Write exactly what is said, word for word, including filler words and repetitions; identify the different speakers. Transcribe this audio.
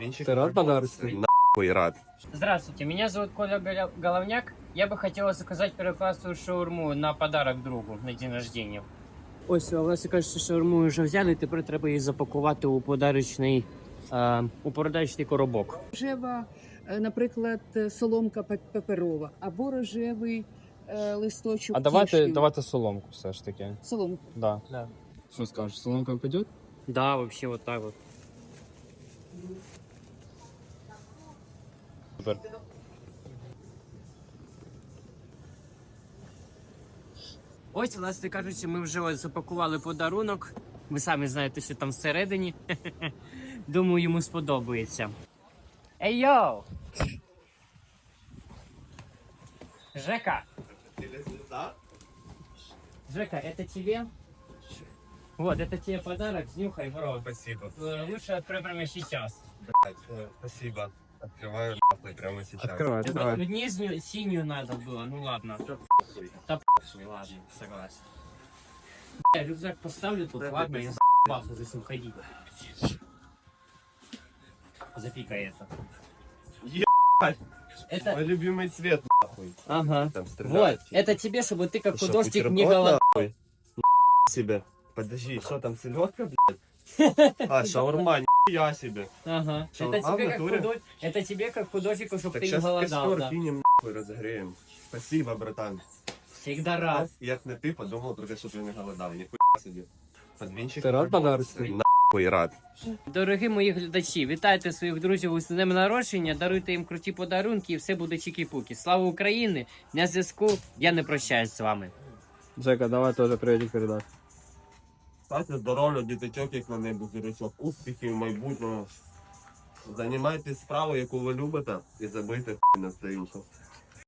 Speaker 1: Ты рад подарок?
Speaker 2: Нахуй рад.
Speaker 3: Здравствуйте, меня зовут Коля Голя- Головняк. Я бы хотела заказать первоклассную шаурму на подарок другу на день рождения. Ось, власне кажучи, шаурму вже взяли, тепер треба її запакувати у подарочний, е, у подарочний коробок.
Speaker 4: Рожева, е, наприклад, соломка пе- паперова або рожевий е, листочок.
Speaker 5: А давайте,
Speaker 4: кішки.
Speaker 5: давайте соломку все ж таки.
Speaker 4: Соломку.
Speaker 5: Да.
Speaker 3: Да.
Speaker 5: Що скажеш, соломка піде?
Speaker 3: Да, вообще вот так вот.
Speaker 5: Супер.
Speaker 3: Ось, власне кажучи, ми вже ось запакували подарунок. Ви самі знаєте, що там всередині. Думаю, йому сподобається. Ей, йоу! Жека! Жека, это тебе? Вот, это тебе подарок, снюхай, бро.
Speaker 2: Спасибо.
Speaker 3: Э, Лучше открой прямо сейчас.
Speaker 2: Спасибо. Открываю нахуй прямо сейчас.
Speaker 5: Откривай,
Speaker 3: Это
Speaker 5: откривай.
Speaker 3: нижнюю, синюю надо было, ну ладно. Да похуй, ладно, согласен. Бля, рюкзак поставлю тут, ладно, я за***бался за этим ходить. Запикай это.
Speaker 2: Ебать!
Speaker 3: Это,
Speaker 2: Мой любимый цвет, нахуй.
Speaker 3: ага.
Speaker 2: Там
Speaker 3: Вот,
Speaker 2: стреляют.
Speaker 3: это тебе, чтобы ты как
Speaker 2: Ты шо,
Speaker 3: художник не
Speaker 2: бутерброд,
Speaker 3: голодал.
Speaker 2: нахуй? Ебать себе. Подожди, что там, селедка, блядь? А, шаурма, нихуя себе.
Speaker 3: Ага.
Speaker 2: Шаурма
Speaker 3: Это тебе,
Speaker 2: в
Speaker 3: как
Speaker 2: натуре?
Speaker 3: худож... это тебе как художнику, чтобы
Speaker 2: Так
Speaker 3: ты не
Speaker 2: сейчас
Speaker 3: голодал.
Speaker 2: костер
Speaker 3: Да.
Speaker 2: кинем, нахуй, разогреем. Спасибо, братан.
Speaker 3: Всегда рад.
Speaker 2: Як не ти, подумав, только щоб я не голодав. Ніхуя собі. Подвінчик.
Speaker 5: Ти рад подарок?
Speaker 2: Нахуй рад.
Speaker 3: Дорогі мої глядачі, вітайте своїх друзів з днем народження, даруйте їм круті подарунки і все буде чікі-пукі. Слава Україні! На зв'язку, я не прощаюсь з вами.
Speaker 5: Жека, давай теж привітик передай.
Speaker 2: Стати здоров'я, діточок, як на небі зірочок, успіхів майбутнього. Займайтесь справою, яку ви любите, і забийте хуй на все інше.